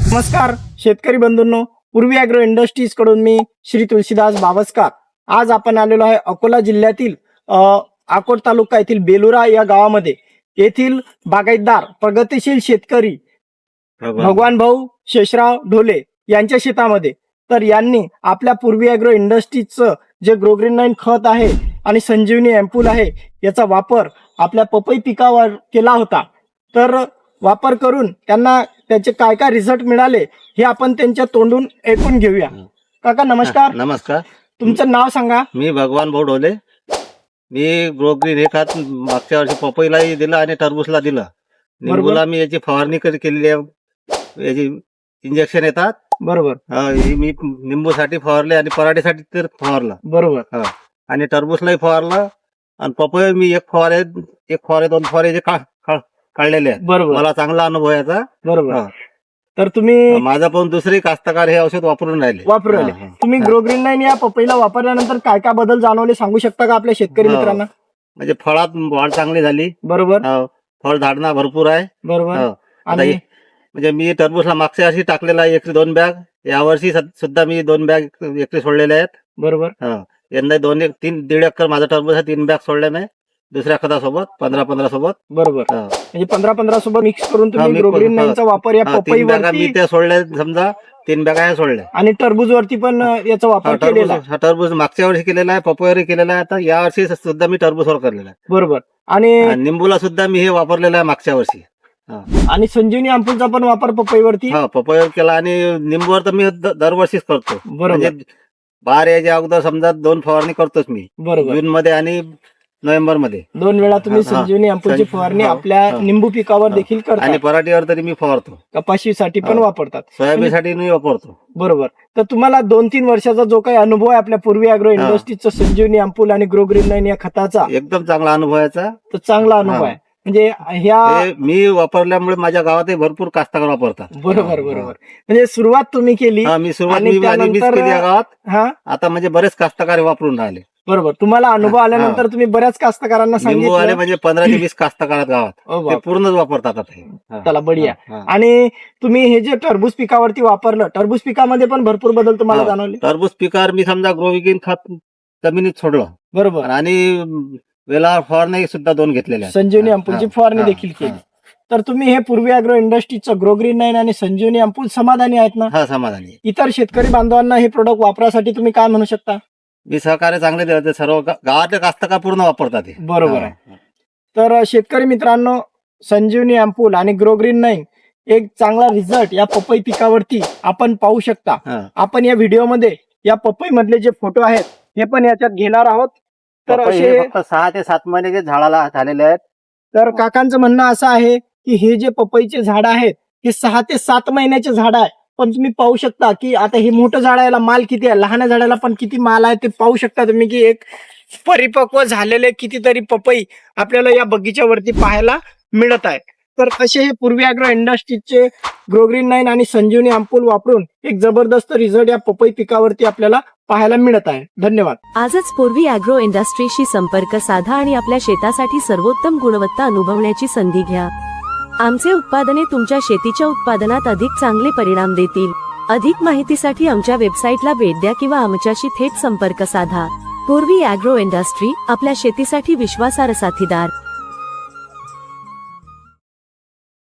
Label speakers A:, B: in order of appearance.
A: नमस्कार शेतकरी बंधूंनो, पूर्वी ॲग्रो इंडस्ट्रीज कडून मी श्री तुलसीदास बावस्कार. आज आपण आलेलो आहे अकोला जिल्ह्यातील अकोट तालुका येथील बेलुरा या गावामध्ये. येथील बागायतदार प्रगतिशील शेतकरी भगवान भाऊ शेषराव ढोले यांच्या शेतामध्ये. तर यांनी आपल्या पूर्वी ॲग्रो इंडस्ट्रीजचं जे ग्रोग्रीन 9 खत आहे आणि संजीवनी एम्पूल आहे याचा वापर आपल्या पपई पिकावर केला होता. तर वापर करून त्यांना त्याचे काय काय रिझल्ट मिळाले हे आपण त्यांच्या तोंडून ऐकून घेऊया. काका नमस्कार.
B: नमस्कार.
A: तुमचं नाव सांगा.
B: मी भगवान भाऊ ढोले. मी ग्रोग्रीन हे खत मागच्या वर्षी पपईलाही दिलं आणि टरबूजला दिलं. निंबूला मी याची फवारणी केलेली आहे. याची इंजेक्शन येतात.
A: बरोबर.
B: मी निंबूसाठी फवारले आणि पराठीसाठी तर फवारलं.
A: बरोबर.
B: आणि टरबूजलाही फवारलं आणि पपई मी एक फवारे 2 फवारे काढलेले आहेत.
A: बरोबर.
B: मला चांगला अनुभव याचा.
A: बरोबर. तर तुम्ही
B: माझा पण दुसरे कास्तकार हे औषध वापरून राहिले.
A: तुम्ही ग्रोग्रीन 9 या पपईला वापरल्यानंतर काय काय बदल जाणवले सांगू शकता का आपल्या शेतकरी मित्रांना?
B: म्हणजे फळात वाढ चांगली झाली.
A: बरोबर.
B: फळ धारणा भरपूर आहे.
A: बरोबर.
B: आणि म्हणजे मी टरबूजला मागच्या वर्षी टाकलेला आहे 2 बॅग. यावर्षी सुद्धा मी 2 बॅग एकरी सोडलेले आहेत.
A: बरोबर.
B: यंदा 1.5 एकर माझा टरबूज आहे. 3 बॅग सोडले मी दुसऱ्या खतासोबत 15 सोबत.
A: बरोबर. म्हणजे 15 सोबत मिक्स करून तुम्ही ग्रोग्रीन 9 चा वापर या पपईवरती
B: मी त्या सोडल्या. समजा 3 बॅग सोडल्या
A: आणि टरबूजवरती पण याचा वापर केलेला आहे.
B: टरबूज मागच्या वर्षी केलेला आहे, पपईवर केलेला आहे. आता या वर्षी सुद्धा मी टरबूजवर केलेला आहे.
A: बरोबर. आणि
B: निंबूला सुद्धा मी हे वापरलेलं आहे मागच्या वर्षी.
A: आणि संजीवनी अँपूलचा पण वापर पपईवरती
B: पपईवर केला आणि निंबूवर तर मी दरवर्षीच करतो.
A: बरोबर.
B: बाहेर याच्या अगोदर समजा 2 फवारणी करतोच मी.
A: बरोबर.
B: जून मध्ये आणि नोव्हेंबर मध्ये
A: 2 वेळा तुम्ही संजीवनी अँपूलची फवारणी आपल्या निंबू पिकावर देखील करता
B: आणि पराठीवर तरी मी फवारतो.
A: कपाशीसाठी पण वापरतात.
B: सोयाबीनसाठी मी वापरतो.
A: बरोबर. तर तुम्हाला 2-3 वर्षाचा जो काही अनुभव आहे आपल्या पूर्वी ॲग्रो इंडस्ट्रीजचा संजीवनी अँपूल आणि ग्रोग्रीन 9 या खताचा
B: एकदम चांगला अनुभव याचा.
A: तर चांगला अनुभव आहे. म्हणजे ह्या
B: मी वापरल्यामुळे माझ्या गावातही भरपूर कास्तकार वापरतात.
A: बरोबर. म्हणजे सुरुवात तुम्ही केली.
B: मी सुरुवात केली या गावात. आता म्हणजे बरेच कास्तकार वापरून राहिले.
A: बरोबर. तुम्हाला अनुभव आल्यानंतर तुम्ही बऱ्याच कास्तकारांना सांगितलं.
B: म्हणजे 15 ते 20 कास्तकार गावात पूर्णच वापरतात आता.
A: चला बढिया. आणि तुम्ही हे जे टरबूज पिकावरती वापरलं, टरबूज पिकामध्ये पण भरपूर बदल तुम्हाला जाणवले.
B: टरबूज पिकावर मी समजा ग्रोविगिन खत जमिनीत सोडलं.
A: बरोबर.
B: आणि वेला फवारणी सुद्धा 2 घेतलेल्या.
A: संजीवनी अँपूलची फवारणी देखील केली. तर तुम्ही हे पूर्वी ॲग्रो इंडस्ट्रीजचं ग्रोग्रीन 9 आणि संजीवनी अँपूल समाधानी आहेत ना?
B: समाधानी.
A: इतर शेतकरी बांधवांना हे प्रोडक्ट वापरासाठी तुम्ही काय म्हणू शकता?
B: मी सहकार्य चांगले देते. सर्व गावातले कास्तकार पूर्ण वापरतात.
A: बरोबर आहे. तर शेतकरी मित्रांनो, संजीवनी अँपूल आणि ग्रोग्रीन 9 एक चांगला रिझल्ट या पपई पिकावरती आपण पाहू शकता. आपण या व्हिडिओमध्ये या पपई मधले जे फोटो आहेत हे पण याच्यात घेणार आहोत. तर असे
B: 6 ते 7 महिने झाडाला झालेले आहेत.
A: तर काकांचं म्हणणं असं आहे की हे जे पपईचे झाड आहेत हे 6 ते 7 महिन्याचे झाड आहे. पण तुम्ही पाहू शकता की आता हे मोठं झाड आहे, माल किती आहे, लहान झाडाला पण किती माल आहे ते पाहू शकता तुम्ही की एक परिपक्व झालेले कितीतरी पपई आपल्याला या बगीच्यावरती पाहायला मिळत आहे. तर असे हे पूर्वी ॲग्रो इंडस्ट्रीजचे ग्रोग्रीन 9 आणि संजीवनी अँपूल वापरून एक जबरदस्त रिझल्ट या पपई पिकावरती आपल्याला पाहायला मिळत आहे. धन्यवाद.
C: आजच पूर्वी ॲग्रो इंडस्ट्रीशी संपर्क साधा आणि आपल्या शेतासाठी सर्वोत्तम गुणवत्ता अनुभवण्याची संधी घ्या. आमचे उत्पादने तुमच्या शेतीच्या उत्पादनात अधिक चांगले परिणाम देतील. अधिक माहितीसाठी आमच्या वेबसाईटला भेट द्या किंवा आमच्याशी थेट संपर्क साधा. पूर्वी ॲग्रो इंडस्ट्री, आपल्या शेतीसाठी विश्वासार्ह साथीदार.